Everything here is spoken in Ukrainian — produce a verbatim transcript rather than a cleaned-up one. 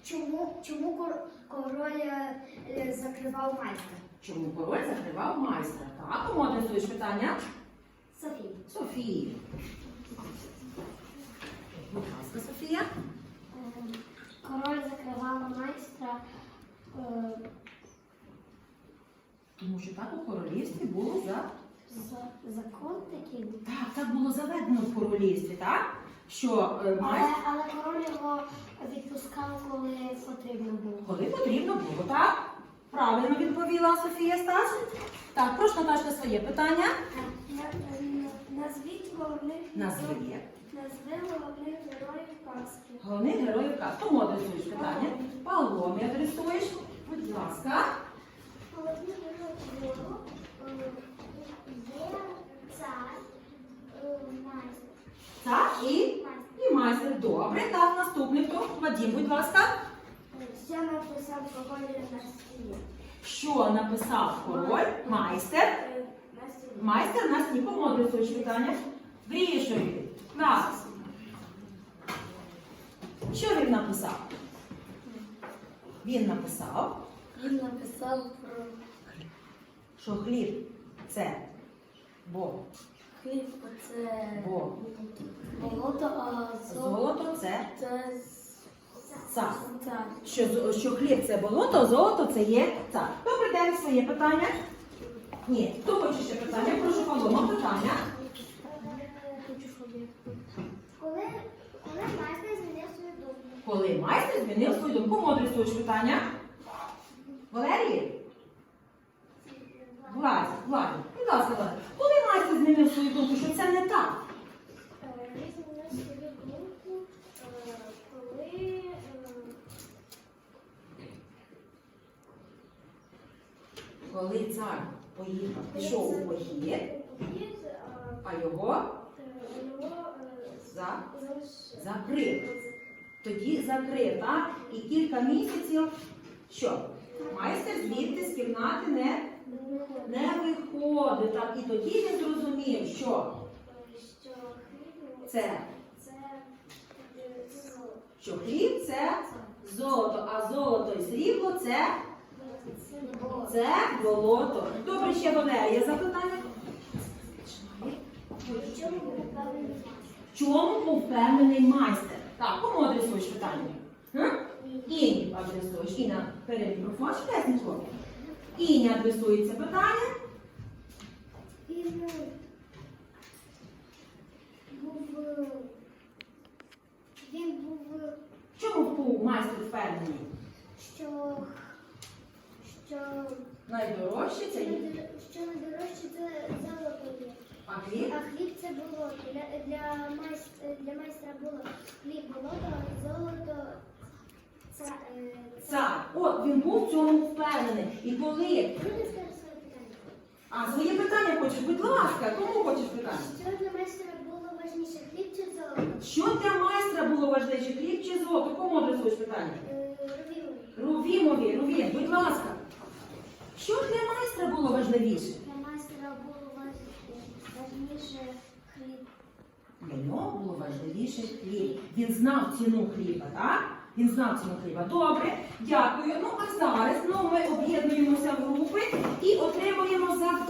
Чому, чому кор- король е, закривав майстра? Чому король закривав майстра? Так, кому адресуєш питання? Софія. Софії. Будь ласка, Софія. Король закривав майстра. Е, Тому що так у королівстві було за... за- закон такий. Так, так було заведено в королівстві, так? Що е, Але, майстер... але король його відпускав, коли потрібно було. Коли потрібно було, так? Правильно відповіла Софія Стас. Так, прошу, Наташка, своє питання. Назвіть головних Назви. Назви головних героїв казки. Головних героїв казки. Кому адресуєш питання? Павло, ми адресуєш. Будь ласка. Головні герої є цар, майстер. Так, і, і майстер. Добре, так, наступний хто? Вадим, будь ласка. Що написав король на стіні? Що написав король? Майстер. На стіні. Майстер нас нікому адресуєш питання. Грішові. Так. Що він написав? Він написав, Він написав про що хліб це Бог. хліб, це Бог. болото, а Золото це це цар. цар. Що, з- що хліб це болото, золото це є цар. Добрий день, своє питання? Ні. Хто хоче ще питання? Прошу, Павло, питання. Коли, коли майстер змінив свою думку? Коли майстер змінив свою думку, кому адресуєш питання? Валерії? Владі, Владі. Будь ласка, Владі. Коли майстер змінив свою думку, що це не так? Він змінив свою думку, коли Коли цар поїхав, пішов у похід, а його його за, закрив. Тоді закрив, так? І кілька місяців, що? Майстер звідти з кімнати не, не виходить. Так? І тоді він зрозумів, що що хліб це, це золото. що хліб це золото, а золото і срібло це, це болото. Добре, ще Валерія запитання. В чому був впевнений майстер? В чому був впевнений майстер? Так, кому адресуєш питання? Га? Іні адресуєш. Іна, бери мікрофон, швиденько. Іні адресується питання. Він був він був В чому був майстер впевнений? що що Найдорожче це є. що найдорожче це золото є. А хліб? А хліб це болото. Для, для, майстра, для майстра було хліб болото, а золото це, е, це. Цар. От, він був в цьому впевнений. І коли... Люди скажуть своє питання. А, своє питання хочеш? Будь ласка, кому хочеш питання? Що для майстра було важніше, хліб чи золото? Що для майстра було важливіше, хліб чи золото? Кому адресуєш питання? Е, Ровіли. Рувімові, Рувім, будь ласка. Що для майстра було важливіше? Для майстра було важ- важніше хліб. Для нього було важливіше хліб. Він знав ціну хліба, так? Він знав ціну хліба. Добре, дякую. Ну, а зараз ну, ми об'єднуємося в групи і отримуємо завдання.